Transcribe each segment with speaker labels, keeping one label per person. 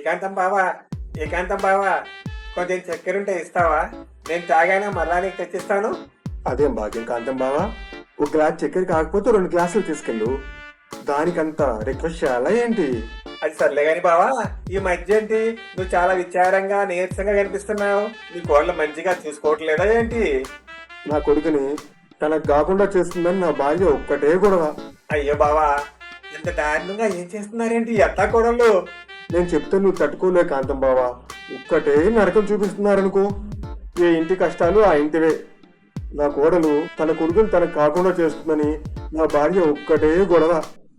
Speaker 1: ఏకాంతం బావా, ఏకాంతం బావా, కొంచెం చక్కెర ఉంటే ఇస్తావా? నేను తాగానే మరలా నీకు తెచ్చిస్తాను.
Speaker 2: అదేం భాగ్యం కాంతం బావా, ఒక గ్లాస్ చక్కెర కాకపోతే 2 గ్లాసులు తీసుకెళ్ళు. దానికంతా రిక్వెస్ట్ చేయాలా ఏంటి?
Speaker 1: అది సర్లే గాని బావా, ఈ మధ్య ఏంటి నువ్వు చాలా విచారంగా నీరసంగా కనిపిస్తున్నావు? నీ కోళ్ళ మంచిగా చూసుకోవట్లేదా ఏంటి?
Speaker 2: నా కొడుకుని తనకు కాకుండా చేస్తుందని నా భార్య ఒక్కటే గొడవ.
Speaker 1: అయ్యో బావా, ఇంత దారుణంగా ఏం చేస్తున్నారేంటి ఎత్తా కోడళ్ళు?
Speaker 2: నేను చెప్తే నువ్వు తట్టుకోలే కాంతం బావా, ఒక్కటే నరకం చూపిస్తున్నారనుకో. ఏ ఇంటి కష్టాలు ఆ ఇంటివే. నా కోడలు తన కొడుకుని తనకు కాకుండా చేస్తుందని నా భార్య ఒక్కటే గొడవ.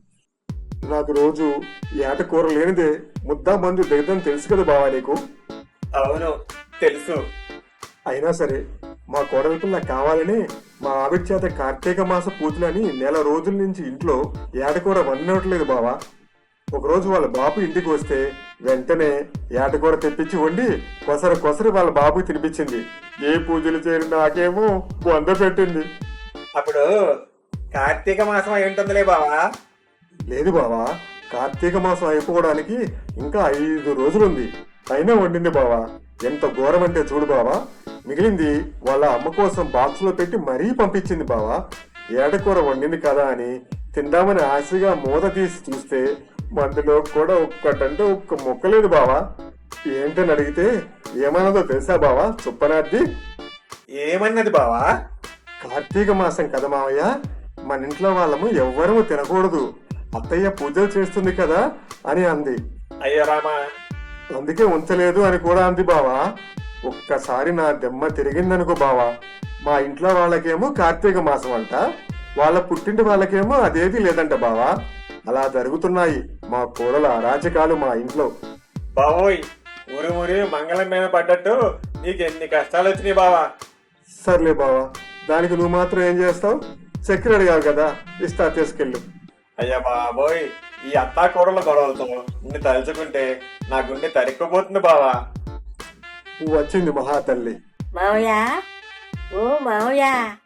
Speaker 2: నాకు రోజు ఏట కూర లేనిదే ముద్దా మందు దిగదని తెలుసు కదా బావా నీకు.
Speaker 1: అవును తెలుసు.
Speaker 2: అయినా సరే మా కోడల పిల్ల కావాలని మా ఆవిడ చేత కార్తీక మాస పూజలని నెల రోజుల నుంచి ఇంట్లో ఏటకూర వండినట్లేదు బావా. ఒకరోజు వాళ్ళ బాబు ఇంటికి వస్తే వెంటనే ఏటకూర తెప్పించి వండి కొసరు వాళ్ళ బాబుకి తినిపించింది. ఏ పూజలు చేయని నాకేమో వంద పెట్టింది.
Speaker 1: అప్పుడు కార్తీక మాసం అయి ఉంటుందిలే బావా.
Speaker 2: లేదు బావా, కార్తీక మాసం అయిపోవడానికి ఇంకా 5 రోజులుంది. అయినా వండింది బావా. ఎంత ఘోరం అంటే చూడు బావా, మిగిలింది వాళ్ళ అమ్మ కోసం బాక్స్ లో పెట్టి మరీ పంపించింది బావా. ఏటకూర వండింది కదా అని తిందామని ఆశగా మూత తీసి చూస్తే మందులో కూడా ఒక్కటంటే ఒక్క మొక్కలేదు బావా. ఏంటని అడిగితే ఏమన్నదో తెలుసా బావా చుప్పనార్ది?
Speaker 1: ఏమన్నది బావా?
Speaker 2: కార్తీక మాసం కదా మావయ్య, మన ఇంట్లో వాళ్ళము ఎవ్వరము తినకూడదు, అత్తయ్య పూజలు చేస్తుంది కదా అని అంది.
Speaker 1: అయ్యో రామా,
Speaker 2: అందుకే ఉంచలేదు అని కూడా అంది బావా. ఒక్కసారి నా దెమ్మ తిరిగిందనుకో బావా. మా ఇంట్లో వాళ్ళకేమో కార్తీక మాసం అంట, వాళ్ళ పుట్టింటి వాళ్ళకేమో అదేది లేదంట బావా. అలా జరుగుతున్నాయి మా కూరల అరాచకాలు మా ఇంట్లో.
Speaker 1: బావోయ్, ఊరి ఊరి మంగళం మీద పడ్డట్టు నీకు ఎన్ని కష్టాలు వచ్చినాయి బావా.
Speaker 2: సర్లే బావా, దానికి నువ్వు మాత్రం ఏం చేస్తావు? చక్కెర అడిగావు కదా, ఇస్తా తీసుకెళ్ళు.
Speaker 1: అయ్యా బాబోయ్, ఈ అత్తా కూరల గొడవలతో నిన్ను తలుచుకుంటే నా గుండె తరిక్కుపోతుంది బావా.
Speaker 2: నువ్వు వచ్చింది మహాతల్లి.
Speaker 3: మావయ్య, ఓ మావయ్య,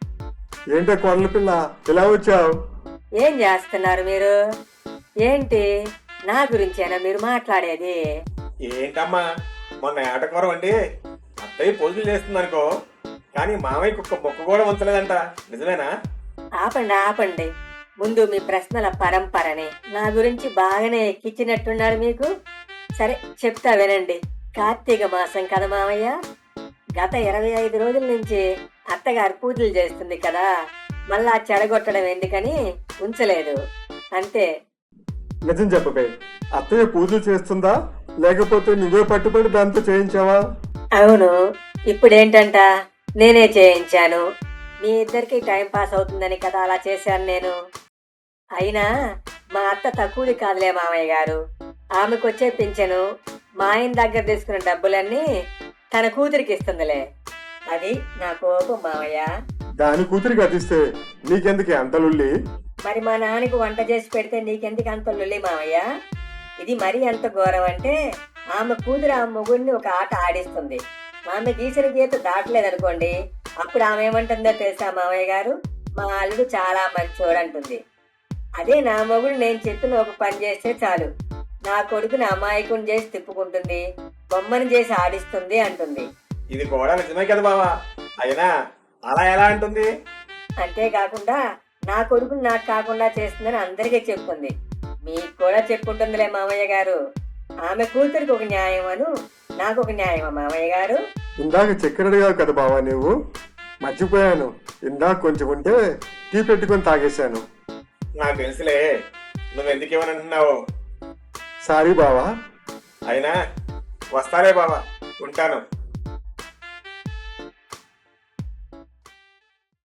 Speaker 2: ఏంటే కొడల పిల్ల ఇలా వచ్చావు?
Speaker 3: ఏం చేస్తున్నారు మీరు? ఏంటి నా గురించేనా మీరు మాట్లాడేది?
Speaker 1: ఏంటమ్మా, మొన్న ఏటకూర వండి అత్తయ్య పూజలు చేస్తుంది అనుకో, కానీ మామయ్య కుక్క మొక్క కూడా ఉంచలేదంట, నిజమేనా?
Speaker 3: ఆపండి ఆపండి, ముందు మీ ప్రశ్నల పరంపరని. నా గురించి బాగానే ఎక్కించినట్టున్నారు మీకు. సరే చెప్తా వినండి. కార్తీక మాసం కదా మామయ్య, గత 25 రోజుల నుంచి అత్తగారు పూజలు చేస్తుంది కదా, మళ్ళా చెడగొట్టడం ఎందుకని ఉంచలేదు అంతే.
Speaker 2: నిజం చెప్పబే, అత్తయ్య పూజలు చేస్తుందా లేకపోతే నువ్వే పట్టుబడి దాంతో చేయించావా?
Speaker 3: అవును, ఇప్పుడేంటంట నేనే చేయించాను. మీ ఇద్దరికి టైం పాస్ అవుతుందని కదా అలా చేశాను నేను. అయినా మా అత్త తక్కువది కాదులే మామయ్య గారు. ఆమెకు వచ్చే పింఛను మా ఆయన దగ్గర తీసుకున్న డబ్బులన్నీ తన కూతురికి ఇస్తుందిలే. అది నా కోపం మామయ్య.
Speaker 2: దాని కూతురికి అదిస్తే నీకెందుకే అంతలుల్లి?
Speaker 3: మరి మా నాన్నకు వంట చేసి పెడితే నీకెందుకు అంత లొల్లి మామయ్య? ఇది మరీ ఎంత ఘోరం అంటే, ఆమె కూతురు ఆ మొగుడిని ఒక ఆట ఆడిస్తుంది. ఆమె గీసిన గీత దాటలేదనుకోండి, అప్పుడు ఆమె ఏమంటుందో తెలుసా మామయ్య గారు? మా అల్లుడు చాలా మంచోడు అంటుంది. అదే నా మొగుడు నేను చెప్పిన ఒక పని చేస్తే చాలు, నా కొడుకుని అమాయకుని చేసి తిప్పుకుంటుంది, బొమ్మని చేసి ఆడిస్తుంది అంటుంది.
Speaker 1: ఇది కూడా నిజమే కదా బావా. అయినా అలా ఎలా అంటుంది?
Speaker 3: అంతేకాకుండా నా కొడుకుని నాకు కాకుండా చేస్తుందని అందరికీ చెప్పుకుంది. మీకు కూడా చెప్పుకుంటుందిలే మామయ్య గారు. ఆమె కూతురికి ఒక న్యాయం అను, నాకు ఒక న్యాయమా మామయ్య గారు?
Speaker 2: ఇందాక చక్కెర అడిగావు కదా బావా నువ్వు, మర్చిపోయాను. ఇందాక కొంచెం ఉంటే టీ పెట్టుకొని తాగేశాను.
Speaker 1: నాకు తెలుసులే, నువ్వెందుకు ఇవ్వని అంటున్నావు.
Speaker 2: సారీ బావా.
Speaker 1: అయినా వస్తాలే బావా, ఉంటాను.